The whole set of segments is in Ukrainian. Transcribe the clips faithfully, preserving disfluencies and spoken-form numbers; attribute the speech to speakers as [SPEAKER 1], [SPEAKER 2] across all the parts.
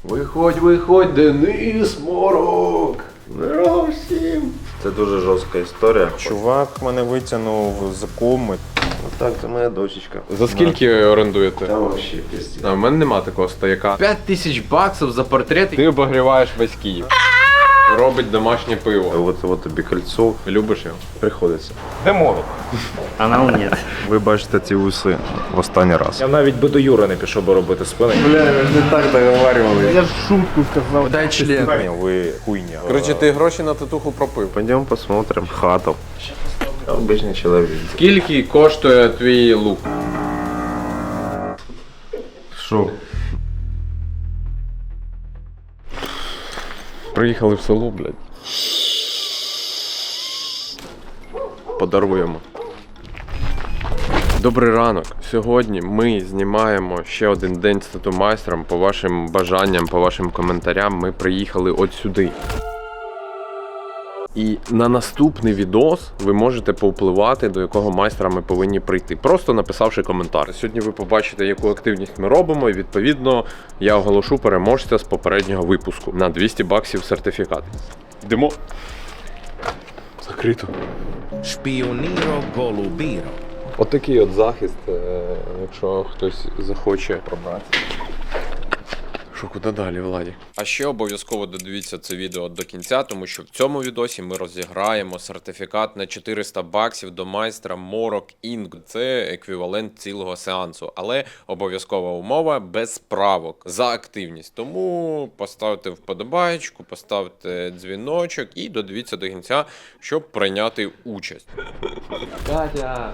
[SPEAKER 1] Виходь, виходь, Денис Морок! Здорово всім!
[SPEAKER 2] Це дуже жорстка історія.
[SPEAKER 3] Чувак мене витягнув з коми.
[SPEAKER 2] Так, це моя дочечка.
[SPEAKER 1] За скільки орендуєте?
[SPEAKER 2] Та вообще пиздец.
[SPEAKER 1] А в мене нема такого стояка. п'ять тисяч баксів за портрет. Ти обогріваєш весь Київ. Робить домашнє пиво.
[SPEAKER 2] От, от тобі кольцо.
[SPEAKER 1] Любиш його?
[SPEAKER 2] Приходиться.
[SPEAKER 3] Де морок?
[SPEAKER 4] Анал нет.
[SPEAKER 2] Ви бачите ці уси в останній раз.
[SPEAKER 3] Я навіть би до Юри не пішов би робити спини.
[SPEAKER 2] Бля, ви ж не так договарювали.
[SPEAKER 4] Я ж шутку сказал.
[SPEAKER 1] Дай член.
[SPEAKER 3] Ви хуйня.
[SPEAKER 1] Короче, ти гроші на татуху пропив.
[SPEAKER 2] Пойдем посмотрим хату. Обичний чоловік.
[SPEAKER 1] Скільки коштує твій лук?
[SPEAKER 2] Що?
[SPEAKER 1] Приїхали в село, блядь. Подаруємо. Добрий ранок. Сьогодні ми знімаємо ще один день з тату-майстром. По вашим бажанням, по вашим коментарям ми приїхали от сюди. І на наступний відос ви можете повпливати, до якого майстра ми повинні прийти, просто написавши коментар. Сьогодні ви побачите, яку активність ми робимо, і відповідно я оголошу переможця з попереднього випуску на двісті баксів сертифікат. Йдемо. Закрито.
[SPEAKER 5] Шпіоніро голубіро.
[SPEAKER 1] Отакий от захист, якщо хтось захоче пробрати. Що, куди далі, Владі? А ще обов'язково додивіться це відео до кінця, тому що в цьому відосі ми розіграємо сертифікат на чотириста баксів до майстра Морок Інк. Це еквівалент цілого сеансу, але обов'язкова умова без правок за активність. Тому поставте вподобайку, поставте дзвіночок і додивіться до кінця, щоб прийняти участь. Катя!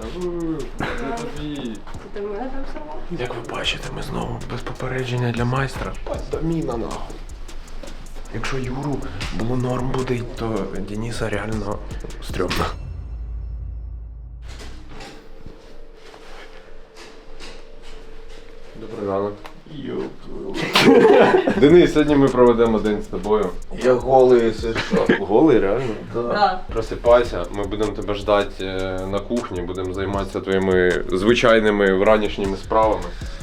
[SPEAKER 6] Ти мене там сама?
[SPEAKER 1] Як ви бачите, ми знову без попередження для майстра. Доміна нахуй. Якщо Юру було норм буде, то Дениса реально стрьомно. Добрий ранок. Денис, сьогодні ми проведемо день з тобою.
[SPEAKER 2] Я голий, це що? Голий, реально?
[SPEAKER 6] Так.
[SPEAKER 1] Просипайся, ми будемо тебе ждати на кухні, будемо займатися твоїми звичайними вранішніми справами.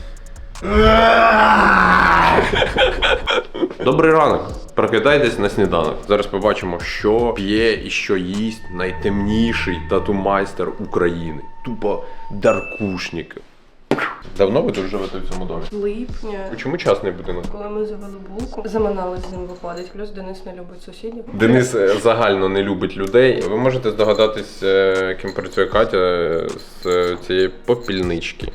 [SPEAKER 1] Добрий ранок. Прокидайтесь на сніданок. Зараз побачимо, що п'є і що їсть найтемніший тату-майстер України. Тупо даркушник. Давно ви тут живете в цьому домі?
[SPEAKER 6] Липня.
[SPEAKER 1] Чому частний будинок?
[SPEAKER 6] Коли ми завели булку, заманали з ним виходить. Плюс Денис не любить сусідів.
[SPEAKER 1] Денис е, загально не любить людей. Ви можете здогадатись, е, ким працює Катя е, з е, цієї попільнички.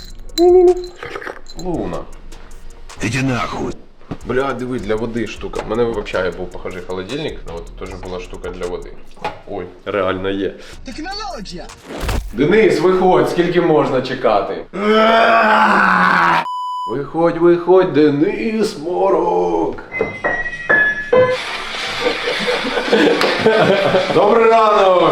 [SPEAKER 1] Луна.
[SPEAKER 5] Іди нахуй.
[SPEAKER 1] Бля, диви, для води штука. У мене в общагі був похожий холодильник, а от теж була штука для води. Ой, реально є.
[SPEAKER 5] Технологія.
[SPEAKER 1] Денис, виходь, скільки можна чекати? Виходь, виходь, Денис Морок! Добрий ранок!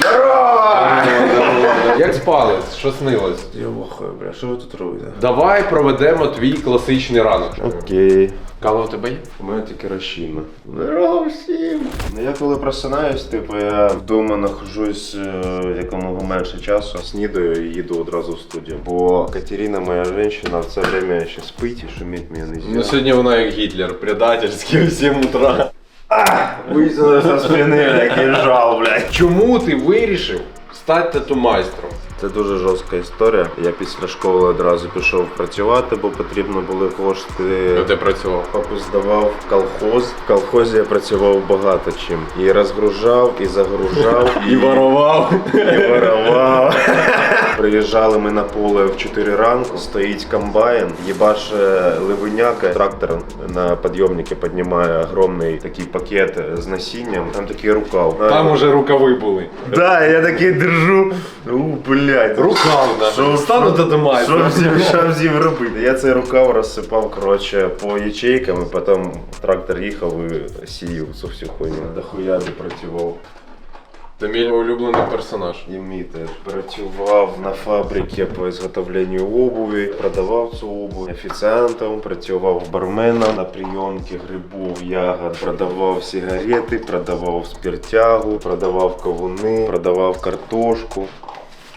[SPEAKER 1] Як спалось? Що снилось?
[SPEAKER 2] Я вахую, бля, що ви тут робите?
[SPEAKER 1] Давай проведемо твій класичний ранок.
[SPEAKER 2] Окей.
[SPEAKER 1] Кава у тебе є?
[SPEAKER 2] У мене тільки розчинно. Здорово всім! Ну, я коли просинаюсь, типу, я вдома нахожусь е, якомога менше часу, снідаю і їду одразу в студію. Бо Катерина, моя жінка, в це время ще спить і шумить мене не
[SPEAKER 1] Ну
[SPEAKER 2] зробить.
[SPEAKER 1] сьогодні вона як Гітлер, предательський в сім утра.
[SPEAKER 2] Висунули со спини, який жал, блядь.
[SPEAKER 1] Чому ти вирішив стати тату-майстром?
[SPEAKER 2] Це дуже жорстка історія. Я після школи одразу пішов працювати, бо потрібно були кошти.
[SPEAKER 1] Де працював?
[SPEAKER 2] Папу здавав в колхоз. В колхозі я працював багато чим. І розгружав, і загружав,
[SPEAKER 1] І ворував.
[SPEAKER 2] і воровав. Приїжджали ми на поле в чотири ранку, стоїть комбайн, їбаше ливеняка, трактор на підйомнику піднімає огромний такий пакет з насінням, там такий рукав.
[SPEAKER 1] Там уже рукави були.
[SPEAKER 2] Да, я такий держу. У, блядь.
[SPEAKER 1] Рукав,
[SPEAKER 2] Що
[SPEAKER 1] стану тату-майстром.
[SPEAKER 2] Що всім, що всім робити? Я цей рукав розсипав, коротше, по ячейкам, і потім трактор їхав і сіяв цю всю хуйню. Дохуя не працював.
[SPEAKER 1] Це мій улюблений персонаж.
[SPEAKER 2] І мій теж. Працював на фабриці по ізготовленню обуві, продавав цю обувь офіціантом, працював барменом на прийомки грибів, ягод, продавав сигарети, продавав спиртягу, продавав кавуни, продавав картошку.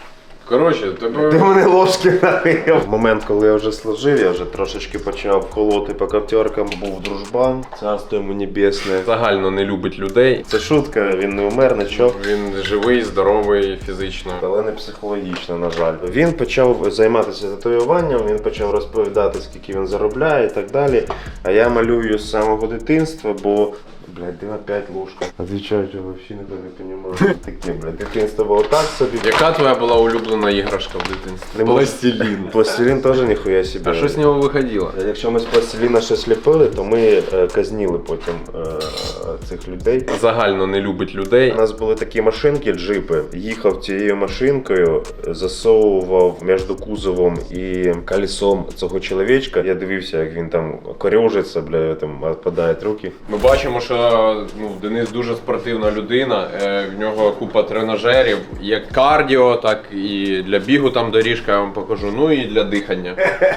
[SPEAKER 1] Коротше, тебе...
[SPEAKER 2] Ти мене ложки налив. В момент, коли я вже служив, я вже трошечки почав колоти по коптеркам. Був дружбан, царство йому небесне.
[SPEAKER 1] Загально не любить людей.
[SPEAKER 2] Це шутка, він не умер, нічого.
[SPEAKER 1] Він живий, здоровий, фізично.
[SPEAKER 2] Але не психологічно, на жаль. Він почав займатися татуюванням, він почав розповідати, скільки він заробляє і так далі. А я малюю з самого дитинства, бо... Блядь, де опять ложка? Отвечаю, я вообще никто не понимаю. Таке, блядь, дитинство було так собі.
[SPEAKER 1] Яка твоя була улюблена іграшка в дитинстві?
[SPEAKER 2] Не можу.
[SPEAKER 1] Пластилін.
[SPEAKER 2] Пластилін теж ніхуя собі.
[SPEAKER 1] А що з нього виходило?
[SPEAKER 2] Якщо ми з пластиліна щось ліпили, то ми е, казніли потім е, цих людей.
[SPEAKER 1] Загально не любить людей.
[SPEAKER 2] У нас були такі машинки, джипи. Їхав цією машинкою, засовував між кузовом і колесом цього чоловічка. Я дивився, як він там корьожиться, бля, там відпадають руки.
[SPEAKER 1] Ми бачимо, що ну, Денис дуже спортивна людина, е, в нього купа тренажерів, як кардіо, так і для бігу там доріжка, я вам покажу, ну і для дихання.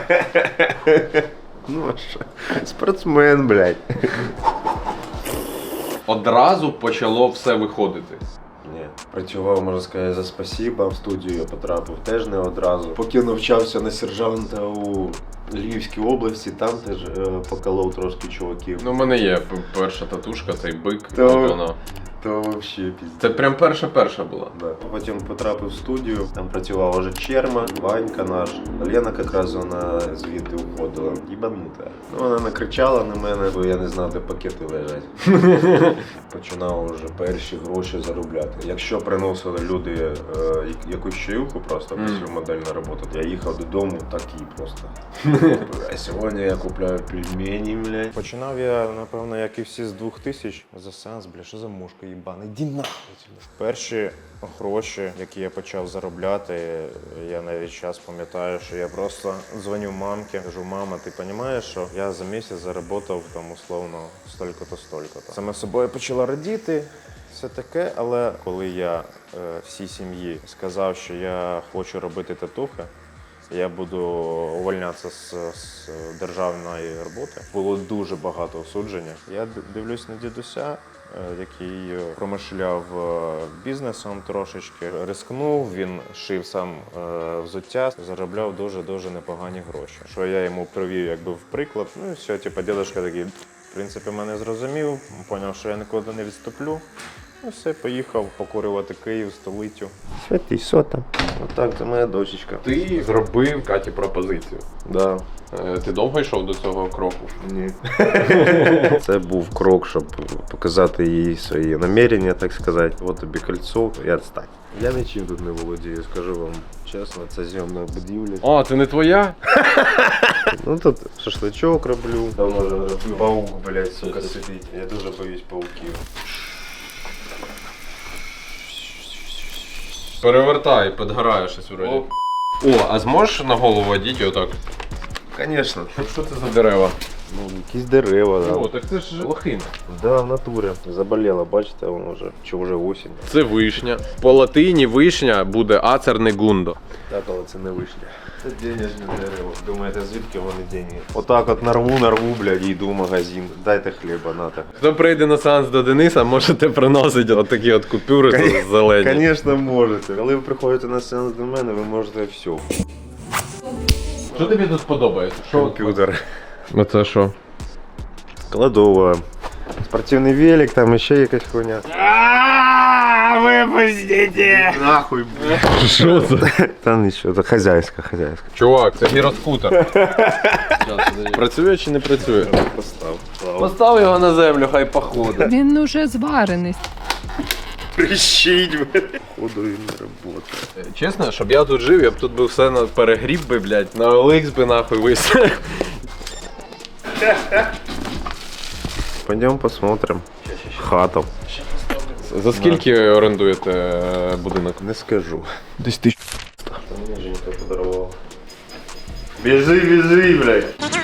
[SPEAKER 2] Ну а що? Спортсмен, блядь.
[SPEAKER 1] Одразу почало все виходити.
[SPEAKER 2] Ні, працював, можна сказати, за спасіба. В студію я потрапив теж не одразу. Поки навчався на сержанта у Львівській області, там теж е, поколов трошки чуваків.
[SPEAKER 1] Ну, в мене є п- перша татушка, цей бик,
[SPEAKER 2] То-
[SPEAKER 1] от вона.
[SPEAKER 2] То вообще піздець.
[SPEAKER 1] Це прям перша-перша була.
[SPEAKER 2] Да. Потім потрапив в студію, там працював уже Черма, Ванька наш. Лена якраз вона звідти уходила. Їбанута. Ну, вона накричала на мене, бо я не знав, де пакети лежать. Починав уже перші гроші заробляти. Якщо приносили люди е, якусь чаюху просто
[SPEAKER 1] Mm.
[SPEAKER 2] після модельної роботи, я їхав додому такий просто. А сьогодні я купляю пельмені, блядь. Починав я, напевно, як і всі з двох тисяч. За сеанс, бля, що за мушка їбана? Іди нахуй. Перші гроші, які я почав заробляти, я навіть час пам'ятаю, що я просто дзвоню мамці, кажу, мама, ти розумієш, що я за місяць заробив там условно столько-то, столько-то. Саме собою почала радіти, все таке, але коли я е, всій сім'ї сказав, що я хочу робити татухи, я буду увольнятися з, з державної роботи, було дуже багато осудження. Я дивлюсь на дідуся, який промишляв бізнесом трошечки, рискнув, він шив сам взуття, заробляв дуже-дуже непогані гроші. Що я йому привів якби в приклад, ну і все, типу, дідушка такий, в принципі, мене зрозумів, зрозумів, що я нікуди не відступлю. Ну все, поїхав покорювати Київ, столицю. Святий, що там? Отак, це моя дочечка.
[SPEAKER 1] Ти зробив Каті пропозицію.
[SPEAKER 2] Да.
[SPEAKER 1] Е, Ти довго йшов до цього кроку?
[SPEAKER 2] Ні. Це був крок, щоб показати їй свої намірення, так сказати. От тобі кольцо і відстань. Я нічим тут не володію, скажу вам чесно, це зйомна будівля.
[SPEAKER 1] А, це не твоя?
[SPEAKER 2] Ну тут шашличок роблю. Давно вже роблю. Паук, блядь, сука, сидить. Я дуже боюсь пауків.
[SPEAKER 1] Перевертай, підгорає щось вроді. О, а зможеш на голову одіти отак?
[SPEAKER 2] Звісно.
[SPEAKER 1] Що це за дерева?
[SPEAKER 2] Ну, якісь дерева, да.
[SPEAKER 1] О, так це ж лохина.
[SPEAKER 2] Да, в натурі. Заболіла, бачите, воно вже, чи вже осінь.
[SPEAKER 1] Це вишня. По латині вишня буде ацернегундо.
[SPEAKER 2] Так, але це не вишня. Це денежне дерево. Думаєте, звідки вони деньги? Отак от нарву, нарву, блядь, і йду в магазин. Дайте хліба, нате.
[SPEAKER 1] Хто прийде на сеанс до Дениса, можете приносити отакі от купюри зелені.
[SPEAKER 2] Звісно, можете. Коли ви приходите на сеанс до мене, ви можете все.
[SPEAKER 1] Що тобі тут подобається?
[SPEAKER 2] Комп'ютер.
[SPEAKER 1] Оце що?
[SPEAKER 2] Кладова. Спортивний велик, там ще якась хуйня.
[SPEAKER 4] Випустите!
[SPEAKER 2] Нахуй, блядь.
[SPEAKER 1] Що це?
[SPEAKER 2] Та нічого, це хазяйська, хазяйська.
[SPEAKER 1] Чувак, це гіроскутер. Працює чи не працює?
[SPEAKER 2] Постав.
[SPEAKER 1] Постав його на землю, хай походить.
[SPEAKER 7] Він уже зварений.
[SPEAKER 2] Прищить, блядь. Ходу він не робота.
[SPEAKER 1] Чесно, щоб я тут жив, я б тут би все на перегріб би, блядь, на О Л Ікс би нахуй вис.
[SPEAKER 2] Пойдем посмотрим. Хату.
[SPEAKER 1] За скільки орендуєте е, будинок?
[SPEAKER 2] Не скажу.
[SPEAKER 1] Десь тисяч.
[SPEAKER 2] Мені Женька подарував. Біжи, біжи, блядь.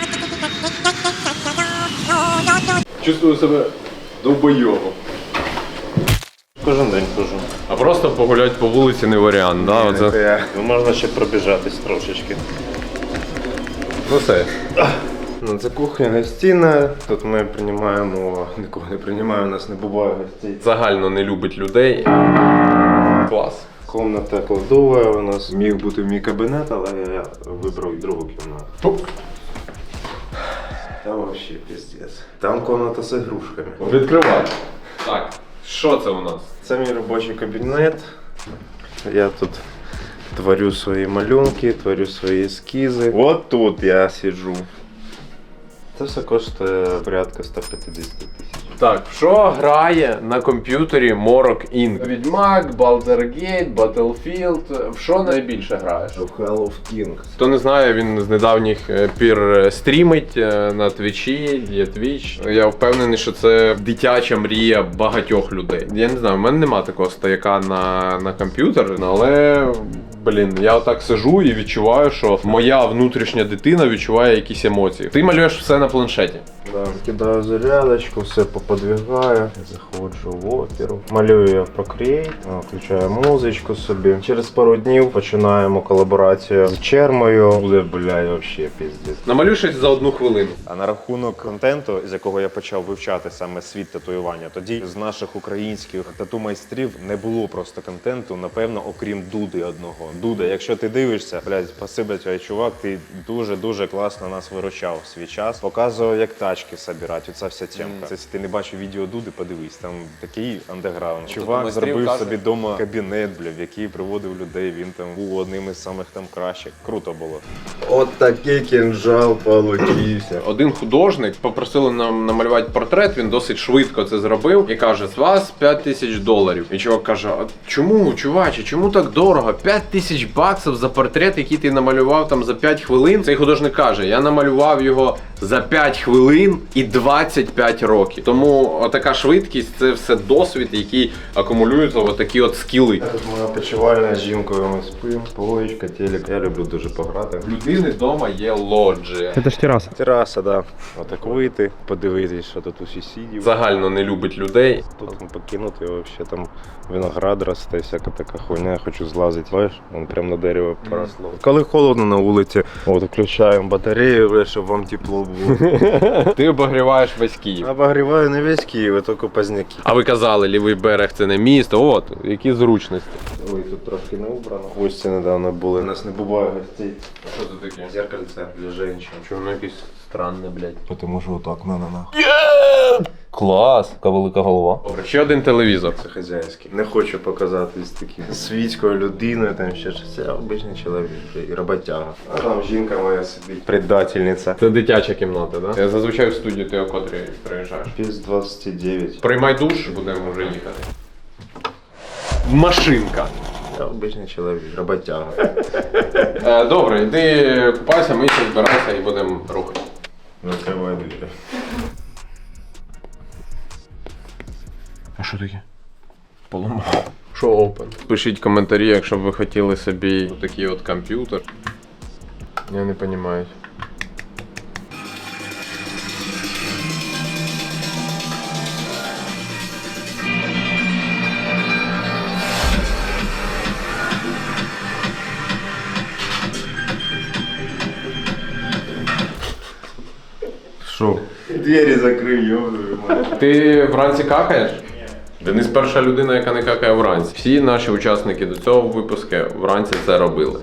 [SPEAKER 1] Чувствую себе довбойовом.
[SPEAKER 2] Кожен день хожу.
[SPEAKER 1] А просто погулять по вулиці не варіант, да? Оце...
[SPEAKER 2] Ну, можна ще пробіжатись трошечки.
[SPEAKER 1] Ну все.
[SPEAKER 2] Ну, це кухня, гостина. Тут ми приймаємо, нікого не приймаємо, у нас не буває гостей.
[SPEAKER 1] Загально не любить людей. Клас.
[SPEAKER 2] Комната кладова у нас. Міг бути мій кабінет, але я вибрав другу кімнату. Там вообще пиздец. Там комната з ігрушками.
[SPEAKER 1] Відкривай. Так, що це у нас?
[SPEAKER 2] Це мій робочий кабінет. Я тут творю свої малюнки, творю свої ескізи. От тут я сиджу. Це все коштує порядка сто п'ятдесят тисяч.
[SPEAKER 1] Так, що грає на комп'ютері Morok Incorporated? Відьмак, Baldur's Gate, Battlefield. В що найбільше граєш?
[SPEAKER 2] В Hell of Kings.
[SPEAKER 1] Хто не знає, він з недавніх е, пір стрімить е, на Твічі, є Twitch. Я впевнений, що це дитяча мрія багатьох людей. Я не знаю, в мене нема такого стояка на, на комп'ютер, але, блін, я отак сижу і відчуваю, що моя внутрішня дитина відчуває якісь емоції. Ти малюєш все на планшеті.
[SPEAKER 2] Да, кидаю зарядочку, все поподвигаю, заходжу в оперу. Малюю я в Procreate, включаю музичку собі. Через пару днів починаємо колаборацію з Чермою. Буде, блядь, вообще пиздец.
[SPEAKER 1] Намалюй щось за одну хвилину.
[SPEAKER 3] А на рахунок контенту, з якого я почав вивчати саме світ татуювання, тоді з наших українських тату-майстрів не було просто контенту, напевно, окрім Дуди одного. Дуда, якщо ти дивишся, блядь, спасибо тебе, чувак, ти дуже-дуже класно нас виручав в свій час. Показував, як тачки собирати, оця вся темка. Mm. Це, якщо ти не бачив відео Дуди, подивись, там такий андеграунд. Чувак зробив
[SPEAKER 1] каже...
[SPEAKER 3] собі вдома кабінет, бля, в який приводив людей, він там був одним із самих там кращих. Круто було.
[SPEAKER 2] От такий кінжал получився.
[SPEAKER 1] Один художник попросили нам намалювати портрет, він досить швидко це зробив і каже, з вас п'ять тисяч доларів. І чувак каже, а чому, чуваче, чому так дорого? п'ять тисяч баксів за портрет, який ти намалював там за п'ять хвилин? Цей художник каже, я намалював його за п'ять хвилин і двадцять п'ять років. Тому отака швидкість – це все досвід, який акумулюється в отакі от скіли.
[SPEAKER 2] Тут моя почувальна з жінкою, ми спимо, поличка, телек. Я люблю дуже пограти.
[SPEAKER 1] В людини вдома є лоджія.
[SPEAKER 4] Это ж терраса.
[SPEAKER 2] Тераса, да. Отак вийти, подивитись, що тут у сусідів.
[SPEAKER 1] Загально не любить людей.
[SPEAKER 2] Тут покинути, вообще там виноград росте, всяка така хуйня, я хочу злазити. Бачиш, вон прямо на дерево поросло. Коли холодно на вулиці, от включаємо батарею, щоб вам тепло було.
[SPEAKER 1] Ти обогріваєш весь Київ.
[SPEAKER 2] Обогріваю не весь Київ, а тільки Позняки.
[SPEAKER 1] А ви казали, лівий берег це не місто. От, які зручності.
[SPEAKER 2] Ой, тут трошки не убрано. Гості недавно були. У нас не буває гостей.
[SPEAKER 1] Що це таке?
[SPEAKER 2] Зеркальце для жінок.
[SPEAKER 1] Чому воно якесь странне, блядь?
[SPEAKER 2] Тому що отак, на-на-на.
[SPEAKER 1] Клас, яка велика голова. Добре, ще один телевізор.
[SPEAKER 2] Це хазяйський. Не хочу показатись таким світською людиною, там ще щось. Це обичний чоловік і роботяга. А там жінка моя сидить. Предательниця.
[SPEAKER 1] Це дитяча кімната, так? Да? Я зазвичай в студію ти о котрій приїжджаєш.
[SPEAKER 2] Піс двадцять дев'ять.
[SPEAKER 1] Приймай душ, будемо вже їхати. Машинка.
[SPEAKER 2] Я обичний чоловік, роботяга.
[SPEAKER 1] Е, добре, йди купайся, мийся, збирайся і будемо рухати.
[SPEAKER 2] Закривай двері.
[SPEAKER 1] А що таке? Поламав. Що open? Пишіть коментарі, якщо б ви хотіли собі такий от комп'ютер. Я не розумію.
[SPEAKER 2] Що? Двері закрив, йобую.
[SPEAKER 1] Ти вранці какаєш? Денис перша людина, яка не какає вранці. Всі наші учасники до цього випуску вранці це робили.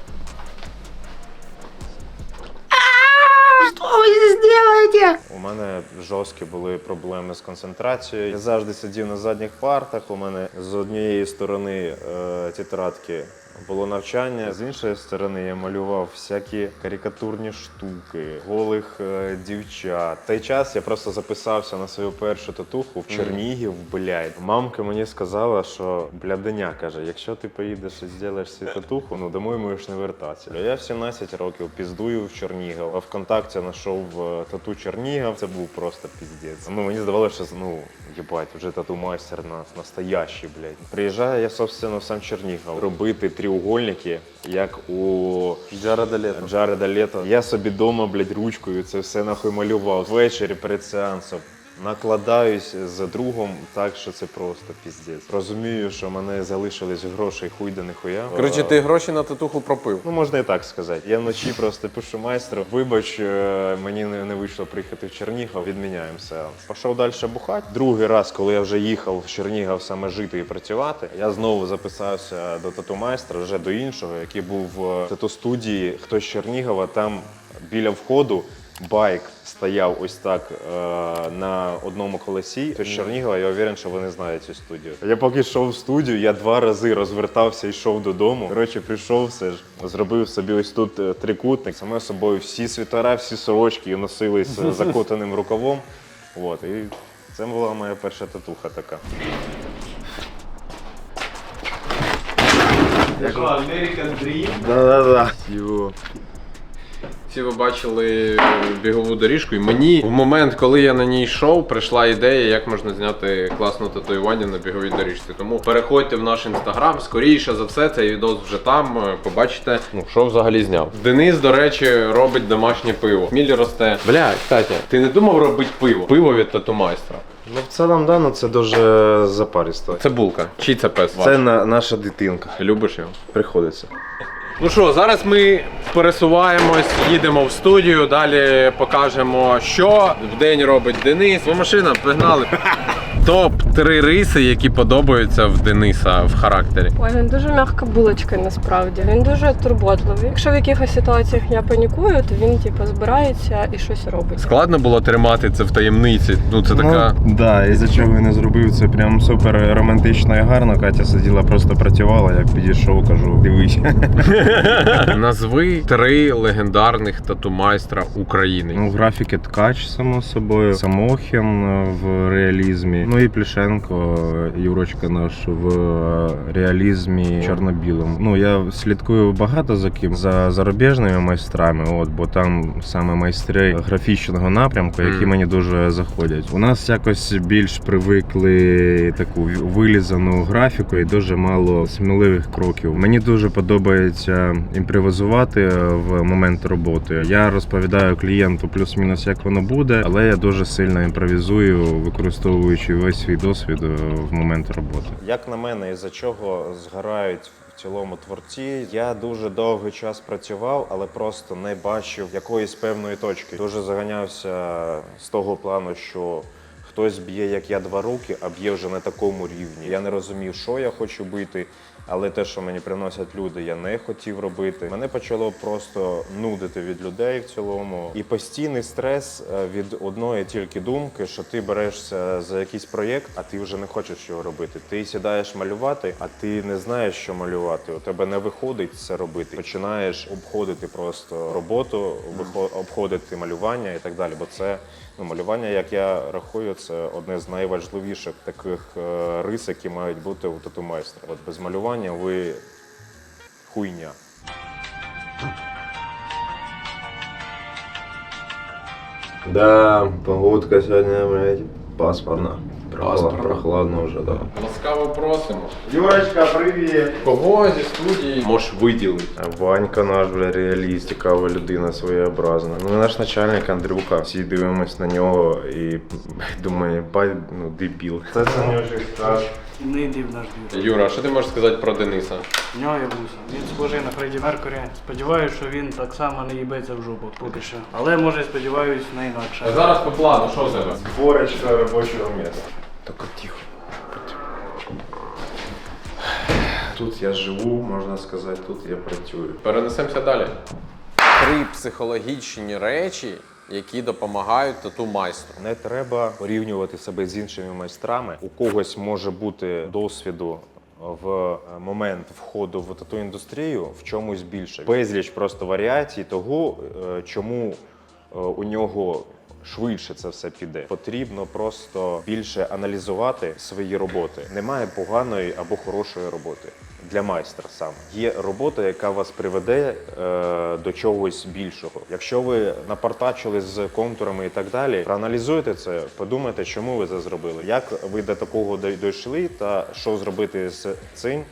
[SPEAKER 3] У мене жорсткі були проблеми з концентрацією. Я завжди сидів на задніх партах. У мене з однієї сторони е, тетрадки було навчання, з іншої сторони я малював всякі карикатурні штуки, голих е, дівчат. В той час я просто записався на свою першу татуху в Чернігів, блядь. Мамка мені сказала, що бляденя, каже, якщо ти поїдеш і зробиш цю татуху, ну домой можеш не вертатися. Я в сімнадцять років піздую в Чернігів, а ВКонтакті знайшов е, тату Чернігів. Це був просто піздець. Ну мені здавалося, що ну єбать, вже тату-майстер нас настоящий, блядь. Приїжджаю я, собственно, в сам Чернігів робити треугольники, як у Джареда Лето. Джареда Лето. Я собі дома, блядь, ручкою це все нахуй малював. Ввечері перед сеансом накладаюсь з другом так, що це просто піздець. Розумію, що в мене залишились грошей хуй да ніхуя.
[SPEAKER 1] Коротше, ти гроші на татуху пропив.
[SPEAKER 3] Ну, можна і так сказати. Я вночі просто пишу майстру, вибач, е, мені не, не вийшло приїхати в Чернігів, відміняємо сеанс. Пішов далі бухати. Другий раз, коли я вже їхав в Чернігів саме жити і працювати, я знову записався до тату-майстра, вже до іншого, який був в тату-студії. Хтось з Чернігова, там біля входу байк стояв ось так е, на одному колесі. Хтось з Чернігова, я уверен, що вони знають цю студію. Я поки йшов в студію, я два рази розвертався і йшов додому. Коротше, прийшов все ж, зробив собі ось тут е, трикутник. Саме собою всі світера, всі сорочки носили з закотаним рукавом. От, і це була моя перша татуха така.
[SPEAKER 2] Да-да-да.
[SPEAKER 1] Всі ви бачили бігову доріжку, і мені в момент, коли я на ній йшов, прийшла ідея, як можна зняти класне татуювання на біговій доріжці. Тому переходьте в наш інстаграм, скоріше за все, цей відос вже там, побачите, ну, що взагалі зняв. Денис, до речі, робить домашнє пиво. Мілі росте. Бля, кстати, ти не думав робити пиво? Пиво від тату-майстра.
[SPEAKER 3] Ну, в цілому, да, ну це дуже запаристо.
[SPEAKER 1] Це булка. Чий це пес?
[SPEAKER 3] Це на, наша дитинка.
[SPEAKER 1] Любиш його?
[SPEAKER 3] Приходиться.
[SPEAKER 1] Ну що, зараз ми пересуваємось, їдемо в студію, далі покажемо, що в день робить Денис. Бо машина, погнали. Топ три риси, які подобаються в Дениса в характері.
[SPEAKER 6] Ой, він дуже м'яка булочка насправді. Він дуже турботливий. Якщо в якихось ситуаціях я панікую, то він типу збирається і щось робить.
[SPEAKER 1] Складно було тримати це в таємниці. Ну це така.
[SPEAKER 3] Ну, да, і за чого я не зробив, це прям супер романтично і гарно. Катя сиділа, просто працювала, як підійшов, кажу, дивись.
[SPEAKER 1] Назви три легендарних тату-майстра України.
[SPEAKER 3] Ну, графіки Ткач, само собою, Самохін в реалізмі, ну і Плішенко, Юрочка наш в реалізмі чорно-білому. Ну, я слідкую багато за ким, за зарубіжними майстрами, от, бо там саме майстри графічного напрямку, які
[SPEAKER 1] Mm.
[SPEAKER 3] мені дуже заходять. У нас якось більш привикли таку вилізану графіку і дуже мало сміливих кроків. Мені дуже подобається імпровізувати в момент роботи. Я розповідаю клієнту плюс-мінус, як воно буде, але я дуже сильно імпровізую, використовуючи весь свій досвід в момент роботи. Як на мене, із-за чого згорають в цілому творці, я дуже довгий час працював, але просто не бачив якоїсь певної точки. Дуже заганявся з того плану, що хтось б'є, як я, два роки, а б'є вже на такому рівні. Я не розумів, що я хочу бити, але те, що мені приносять люди, я не хотів робити. Мене почало просто нудити від людей в цілому. І постійний стрес від одної тільки думки, що ти берешся за якийсь проєкт, а ти вже не хочеш його робити. Ти сідаєш малювати, а ти не знаєш, що малювати. У тебе не виходить це робити. Починаєш обходити просто роботу, обходити малювання і так далі. Бо це, ну, малювання, як я рахую, це одне з найважливіших таких е, рис, які мають бути у тату-майстра. От без малювання ви хуйня.
[SPEAKER 2] Да, погодка сьогодні, блядь, пасмурна.
[SPEAKER 1] Пасмурна.
[SPEAKER 2] Прохладно вже, да.
[SPEAKER 1] Ласкаво просимо.
[SPEAKER 2] Юрочка, привіт!
[SPEAKER 1] Кого зі студії можеш виділити?
[SPEAKER 3] Ванька наш, бля, реаліст, цікава людина, своєобразна. Ну, наш начальник Андрюха. Всі дивимось на нього і думаю, бай, ну, дебіл. Це Санюшик скаже.
[SPEAKER 4] Не йди в наш двір.
[SPEAKER 1] Юра, а що ти можеш сказати про Дениса?
[SPEAKER 4] В нього є вуса. Він схожий на Фредді Меркурі. Сподіваюсь, що він так само не їбеться в жопу поки що. Але може, сподіваюсь, на інакше.
[SPEAKER 1] А зараз по плану, що в тебе?
[SPEAKER 3] Зборочка робочого місця. Тільки тихо. Тут я живу, можна сказати, тут я працюю.
[SPEAKER 1] Перенесемося далі. Три психологічні речі, які допомагають тату-майстру.
[SPEAKER 3] Не треба порівнювати себе з іншими майстрами. У когось може бути досвіду в момент входу в тату-індустрію в чомусь більше. Безліч просто варіацій того, чому у нього швидше це все піде. Потрібно просто більше аналізувати свої роботи. Немає поганої або хорошої роботи. Для майстра саме. Є робота, яка вас приведе е, до чогось більшого. Якщо ви напартачили з контурами і так далі, проаналізуйте це, подумайте, чому ви це зробили, як ви до такого дійшли та що зробити з цим,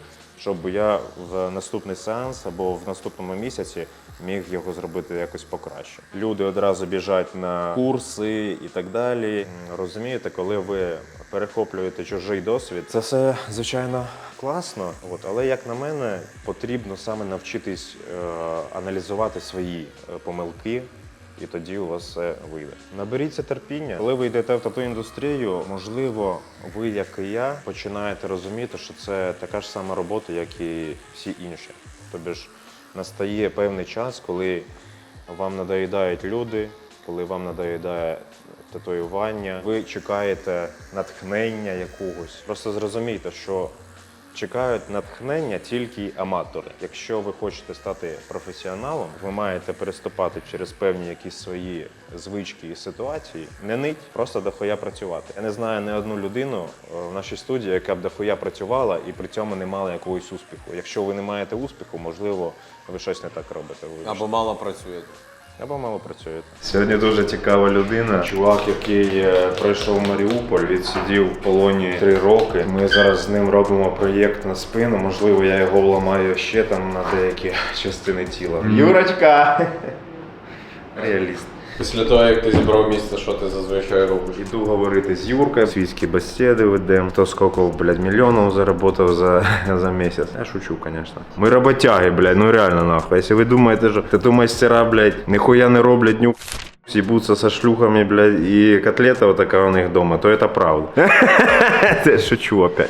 [SPEAKER 3] щоб я в наступний сеанс або в наступному місяці міг його зробити якось покраще. Люди одразу біжать на курси і так далі. Розумієте, коли ви перехоплюєте чужий досвід, це все, звичайно, класно, от, але, як на мене, потрібно саме навчитись е, аналізувати свої е, помилки, і тоді у вас все вийде. Наберіться терпіння. Коли ви йдете в тату-індустрію, можливо, ви, як і я, починаєте розуміти, що це така ж сама робота, як і всі інші. Тобто ж настає певний час, коли вам надоїдають люди, коли вам надоїдає татуювання, ви чекаєте натхнення якогось. Просто зрозумійте, що чекають натхнення тільки аматори. Якщо ви хочете стати професіоналом, ви маєте переступати через певні якісь свої звички і ситуації. Не нить, просто дохуя працювати. Я не знаю ні одну людину в нашій студії, яка б дохуя працювала і при цьому не мала якогось успіху. Якщо ви не маєте успіху, можливо, ви щось не так робите. Вибачте.
[SPEAKER 1] Або мало працюєте.
[SPEAKER 3] Або мало працюєте.
[SPEAKER 2] Сьогодні дуже цікава людина. Чувак, який е, пройшов Маріуполь, відсидів в полоні три роки. Ми зараз з ним робимо проєкт на спину. Можливо, я його вламаю ще там на деякі частини тіла. Mm. Юрочка! Реаліст.
[SPEAKER 1] Після того, як ти зібрав місце, що ти зазвичай робиш?
[SPEAKER 2] Іду говорити з Юркою, світські бесіди ведемо. Хто скільки, блядь, мільйонів заработав за, за місяць. Я шучу, звісно. Ми роботяги, блядь, ну реально нахуй. Якщо ви думаєте, що тату-майстера, блядь, ніхуя не роблять, ню... съебутся со шлюхами, блядь, и котлета вот такая у них дома, то это правда. Я шучу опять.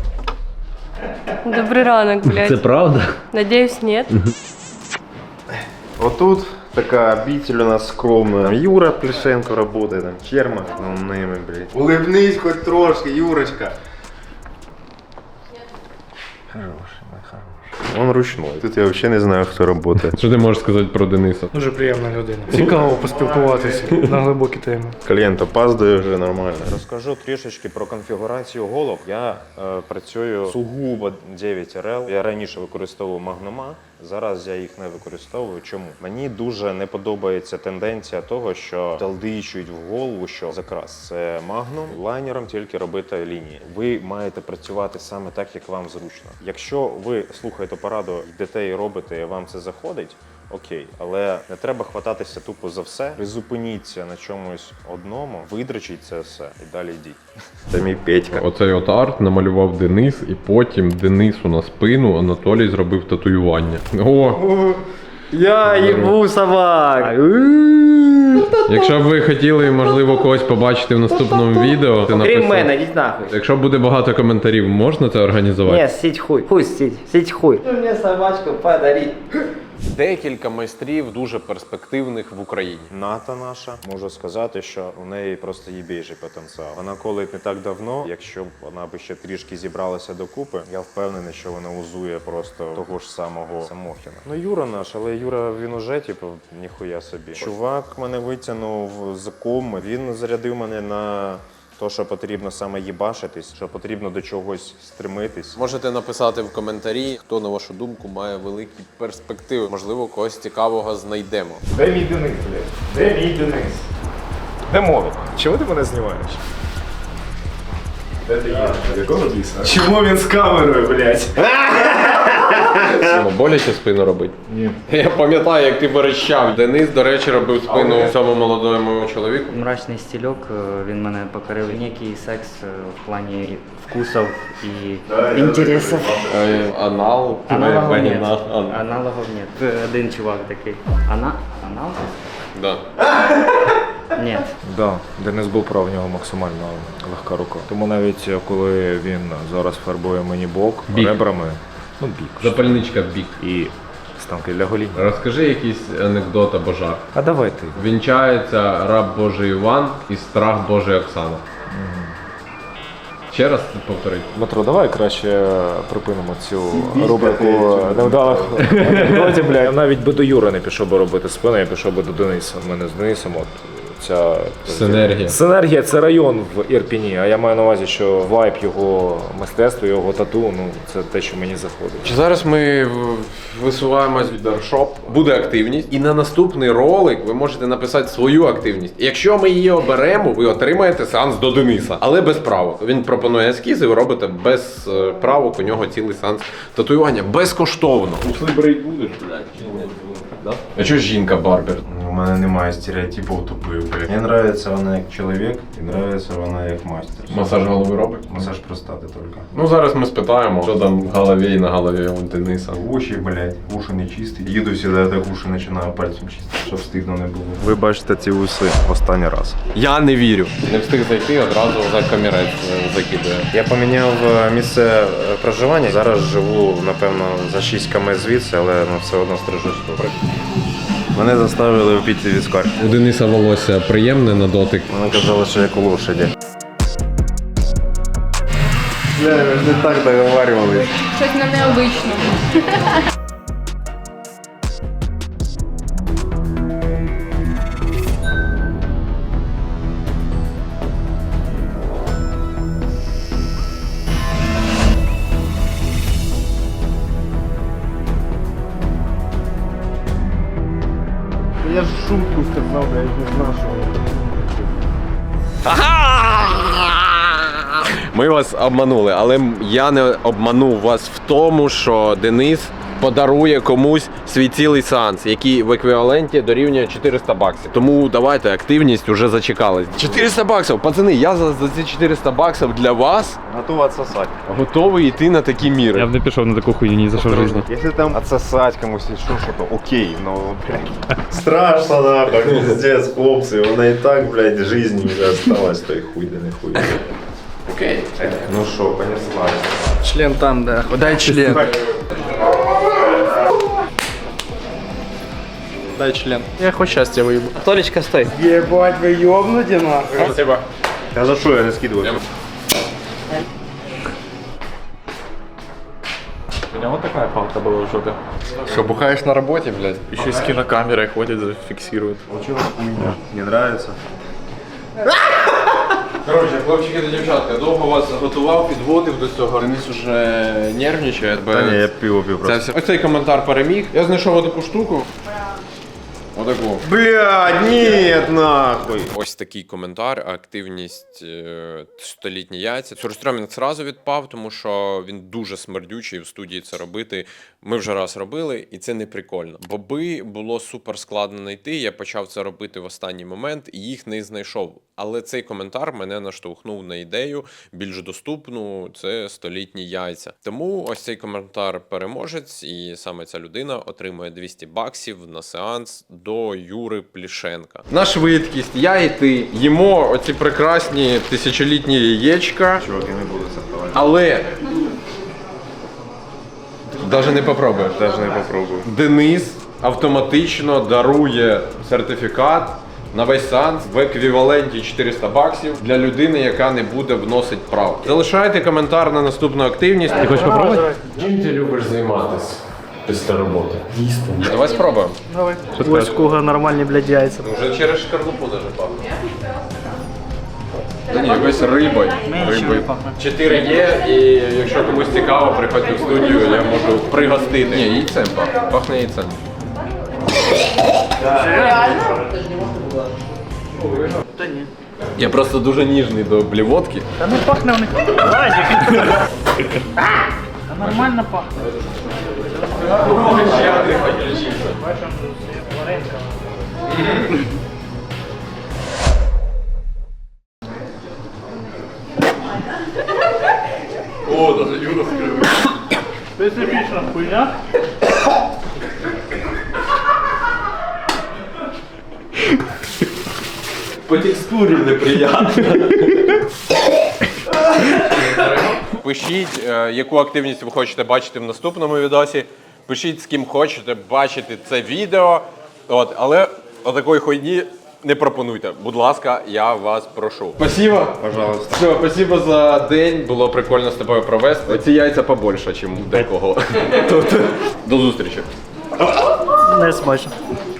[SPEAKER 6] Добрий ранок, блядь.
[SPEAKER 7] Це правда?
[SPEAKER 6] Надіюсь, ні.
[SPEAKER 2] Отут така обитель у нас скромна. Юра Плешенко работает, там Чермак, ну ними, блядь. Улыбнись хоть трошки, Юрочка. Хороший, мой хороший. Он ручной. Тут я вообще не знаю, хто работает.
[SPEAKER 1] Що ти можеш сказати про Дениса?
[SPEAKER 4] Дуже приємна людина. Цікаво поспілкуватися на глибокі теми.
[SPEAKER 2] Клієнт опаздує вже нормально.
[SPEAKER 3] Розкажу трішечки про конфігурацію голов. Я е, працюю сугубо дев'ять ар ел. Я раніше використовував магнома, зараз я їх не використовую. Чому? Мені дуже не подобається тенденція того, що талдичують в голову, що закрас це магнум, лайнером тільки робити лінії. Ви маєте працювати саме так, як вам зручно. Якщо ви слухаєте пораду, йдете і робите, і вам це заходить, окей, але не треба хвататися тупо за все. Призупиніться на чомусь одному, видрачіть це все і далі йдіть.
[SPEAKER 2] Це мій Петька.
[SPEAKER 1] Оцей от арт намалював Денис, і потім Денису на спину Анатолій зробив татуювання. О!
[SPEAKER 7] Я їбу собак!
[SPEAKER 1] Якщо б ви хотіли, можливо, когось побачити в наступному відео, ти
[SPEAKER 7] Крім
[SPEAKER 1] написав.
[SPEAKER 7] мене, йдіть нахуй.
[SPEAKER 1] Якщо буде багато коментарів, можна це організувати?
[SPEAKER 7] Ні, сіть хуй. Хуй сіть, сіть хуй. Мені собачку подари.
[SPEAKER 1] Декілька майстрів дуже перспективних в Україні.
[SPEAKER 3] Ната наша, можу сказати, що у неї просто їбейший потенціал. Вона колить не так давно, якщо б вона би ще трішки зібралася докупи, я впевнений, що вона узує просто того ж самого Самохіна. Ну Юра наш, але Юра, він уже, типу, ніхуя собі. Чувак мене витягнув з коми, він зарядив мене на то, що потрібно саме їбашитись, що потрібно до чогось стремитись.
[SPEAKER 1] Можете написати в коментарі, хто, на вашу думку, має великі перспективи. Можливо, когось цікавого знайдемо.
[SPEAKER 8] Де мій Денис, блядь? Де мій Денис? Де Мовик? Чого ти мене знімаєш? Де ти є? Якого біса? Чому він з камерою, блядь?
[SPEAKER 1] Симо, боляче спину робить? Ні. Я пам'ятаю, як ти верещав. Денис, до речі, робив спину цьому молодому чоловіку.
[SPEAKER 9] Мрачний стільок, е, він мене покорив. Некий секс е, в плані вкусів і інтересів.
[SPEAKER 1] Е, Анал.
[SPEAKER 9] Аналогов
[SPEAKER 1] Пані
[SPEAKER 9] нет.
[SPEAKER 1] на- ан-
[SPEAKER 9] Аналогов нет. Е, Один чувак такий. Ана? Анал?
[SPEAKER 1] Да.
[SPEAKER 9] Ні.
[SPEAKER 8] Да, Денис був прав, в нього максимально легка рука. Тому навіть коли він зараз фарбує мені бок
[SPEAKER 1] Бік.
[SPEAKER 8] ребрами, ну бік.
[SPEAKER 1] Запальничка в бік.
[SPEAKER 8] І станки для гоління.
[SPEAKER 1] Розкажи якийсь анекдот або жарт.
[SPEAKER 8] А давай ти.
[SPEAKER 1] Вінчається раб Божий Іван і страх Божий Оксана. Ще раз повторити.
[SPEAKER 8] Дмитро, давай краще припинимо цю рубрику невдалих анекдотів, бля. Я навіть би до Юри не пішов би робити спину, я пішов би до Дениса. У мене з Денисом от ця
[SPEAKER 1] Синергія.
[SPEAKER 8] Синергія це район в Ірпіні, а я маю на увазі, що вайб його мистецтва, його тату, ну це те, що мені заходить.
[SPEAKER 1] Зараз ми в- висуваємось в барбершоп. Буде активність, і на наступний ролик ви можете написати свою активність. Якщо ми її оберемо, ви отримаєте сеанс до Дениса, але без правок. Він пропонує ескізи, ви робите без е, правок. У нього цілий сеанс татуювання безкоштовно. Усли брить будеш, блядь? Да? А чого жінка барбер?
[SPEAKER 3] У мене немає стереотипів тупих. Мені подобається вона як чоловік і подобається вона як мастер.
[SPEAKER 1] Масаж голови робить?
[SPEAKER 3] Масаж простати тільки.
[SPEAKER 1] Ну зараз ми спитаємо, що там в голові і на голові у Дениса.
[SPEAKER 3] Уші, блядь, уші не чисті. Їду сюди, так уші починаю пальцем чистити, щоб стидно не було. Ви бачите ці уси останній раз.
[SPEAKER 1] Я не вірю. Не встиг зайти, одразу за камірець закидує.
[SPEAKER 3] Я поміняв е, місце е, проживання. Зараз живу, напевно, за шість кілометрів звідси, але ну, все одно стрижусь тут. Мене заставили впіти віскар.
[SPEAKER 1] У Дениса волосся приємне на дотик.
[SPEAKER 3] Вони казали, що як у лошаді. Бля, ми ж не так договарювалися.
[SPEAKER 6] Щось на необичному.
[SPEAKER 3] Я ж шутку сказав, блядь, не знав, що
[SPEAKER 1] Ми вас обманули, але я не обманув вас в тому, що Денис подарує комусь свій цілий сеанс, який в еквіваленті дорівнює чотириста баксів. Тому давайте, активність уже зачекалась. чотириста баксів, пацани, я за, за ці чотириста баксів для вас
[SPEAKER 3] готов отсосать.
[SPEAKER 1] готовий йти на такі міри.
[SPEAKER 10] Я б не пішов на таку хуйню ні за що в житті.
[SPEAKER 3] Если там отсосать комусь или что, что-то, окей, но, блядь, страшно, нахуй, пиздец, хлопцы, вона и так, блядь, жизни уже осталась, то и хуй да не хуй.
[SPEAKER 1] Окей.
[SPEAKER 3] Ну шо, понеслась.
[SPEAKER 4] Член там, да. Дай член. Дай член. Я хоть счастья выебу.
[SPEAKER 7] Толечка, стой.
[SPEAKER 4] Ебать, вы ёбнуте нахуй.
[SPEAKER 1] Спасибо.
[SPEAKER 3] А за что я не скидываю?
[SPEAKER 10] У нього така палка була в жопі.
[SPEAKER 1] Що, бухаєш на роботі, блядь?
[SPEAKER 10] Ще й з кінокамерою ходять, зафіксують.
[SPEAKER 3] Хуйня. Не нравится?
[SPEAKER 1] Коротше, хлопчики та дівчатка, довго вас готував, підводив до цього. Денис уже нервничає.
[SPEAKER 3] Та ні, я пиво пив
[SPEAKER 1] Це
[SPEAKER 3] просто.
[SPEAKER 1] все. Ось цей коментар переміг. Я знайшов таку штуку. Отаку.
[SPEAKER 3] Блядь, нет, нахуй.
[SPEAKER 1] Ось такий коментар, активність е, столітні яйця. Сюрстрьомінг зразу відпав, тому що він дуже смердючий в студії це робити. Ми вже раз робили, і це не прикольно. Боби було супер складно знайти. Я почав це робити в останній момент і їх не знайшов. Але цей коментар мене наштовхнув на ідею більш доступну. Це столітні яйця. Тому ось цей коментар переможець, і саме ця людина отримує двісті баксів на сеанс до Юри Плішенка. На швидкість я і ти їмо оці прекрасні тисячолітні яєчка.
[SPEAKER 3] Чувак, я не буду создавать.
[SPEAKER 1] Але навіть не попробуєш.
[SPEAKER 3] Даже не попробую.
[SPEAKER 1] Денис автоматично дарує сертифікат на весь сеанс в еквіваленті чотириста баксів для людини, яка не буде вносити правки. Залишайте коментар на наступну активність.
[SPEAKER 10] Ти хочеш попробувати?
[SPEAKER 1] Чим ти любиш займатися після роботи? Їсти. Давай спробуємо.
[SPEAKER 4] Давай. Ось у кого нормальні, блядь, яйця.
[SPEAKER 1] Вже через шкарлупу даже пахне. Та ні, весь рибою. Рибою. Чотири є, і якщо комусь цікаво, приходьте в студію, я можу пригостити. Ні, яйцем пахне. Пахне яйцем.
[SPEAKER 4] Та ні.
[SPEAKER 1] Я просто дуже ніжний до блівотки.
[SPEAKER 4] Та не пахне у них. Владик. Та нормально пахне. Бачимо, варенка.
[SPEAKER 1] О, даже Юра скривив.
[SPEAKER 4] Специфічна хуйня.
[SPEAKER 1] По текстурі неприємно. Пишіть, е, яку активність ви хочете бачити в наступному відосі. Пишіть, з ким хочете бачити це відео. От, але отакої хуйні не пропонуйте. Будь ласка, я вас прошу. Спасибо.
[SPEAKER 3] Пожалуйста.
[SPEAKER 1] Все, спасибо за день. Було прикольно з тобою провести. Ці яйця побольше, ніж у декого. До зустрічі.
[SPEAKER 4] Не смачно.